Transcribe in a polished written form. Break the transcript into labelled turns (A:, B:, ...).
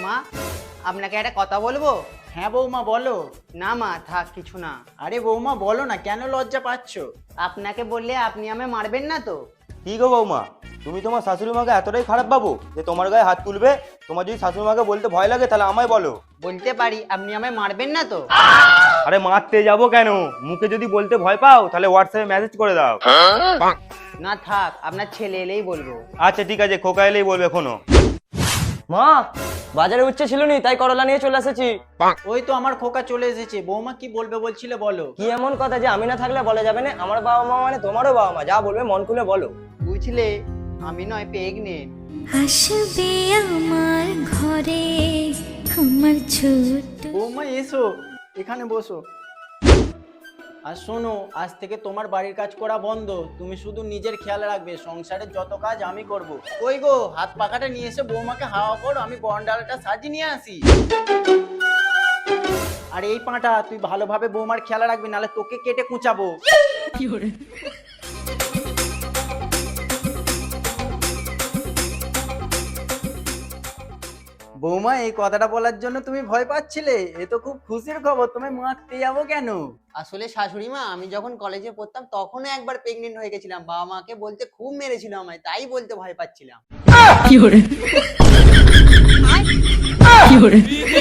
A: মা, আপনাকে একটা কথা বলবো?
B: হ্যাঁ বৌমা বলো।
A: না মা, থাক কিছু না।
B: আরে বৌমা বলো না, কেন লজ্জা পাচ্ছ?
A: আপনাকে বললে আপনি আমায় মারবেন না তো?
C: কি গো বৌমা, তুমি তোমার শাশুড়ি মাকে এতটাই খারাপ ভাবো যে তোমার গায়ে হাত তুলবে? তোমার যদি শাশুড়ি মাকে বলতে ভয় লাগে তাহলে আমায় বলো।
A: বলতে পারি, আপনি আমায় মারবেন না তো?
C: আরে মারতে যাবো কেন, মুখে যদি বলতে ভয় পাও তাহলে হোয়াটসঅ্যাপে মেসেজ করে দাও।
A: না থাক, আপনার ছেলে এলেই বলবো।
C: আচ্ছা ঠিক আছে, খোকা এলেই বলবে এখনো।
D: মা, বাজারে উচ্ছে ছিল নি তাই করলা নিয়ে চলে এসেছি।
B: ওই তো আমার খোকা চলে এসেছে। বৌমা কি বলবে বলছিলে বলো।
D: কি এমন কথা যে আমি না থাকলে বলা যাবে না? আমার বাবা মা মানে তোমারও বাবা মা, যা বলবে মন খুলে বলো।
A: বুঝলে, আমি নয় প্রেগনেন্ট।
E: আসবে আমার ঘরে আমার ছোট।
B: বৌমা এসো, এখানে বসো। আর শোনো, আজ থেকে তোমার বাড়ির কাজ করা বন্ধ। তুমি শুধু নিজের খেয়াল রাখবে, সংসারের যত কাজ আমি করব। ওই গো, হাত পাখাটা নিয়ে এসে বৌমাকে হাওয়া করো, আমি গন্ডালটা সাজিয়ে নিয়ে আসি। আর এই পাঁটা তুই ভালোভাবে বৌমার খেয়াল রাখবি, নাহলে তোকে কেটে কুচাবো। বৌমা, এই কথাটা বলার জন্য তুমি ভয় পাচ্ছিলে? এ তো খুব খুশির খবর। তুমি মারতে যাবো কেন?
A: আসলে শাশুড়ি মা, আমি যখন কলেজে পড়তাম তখনও একবার প্রেগনেন্ট হয়ে গেছিলাম। বাবা মাকে বলতে খুব মেরেছিল আমায়, তাই বলতে ভয় পাচ্ছিলাম।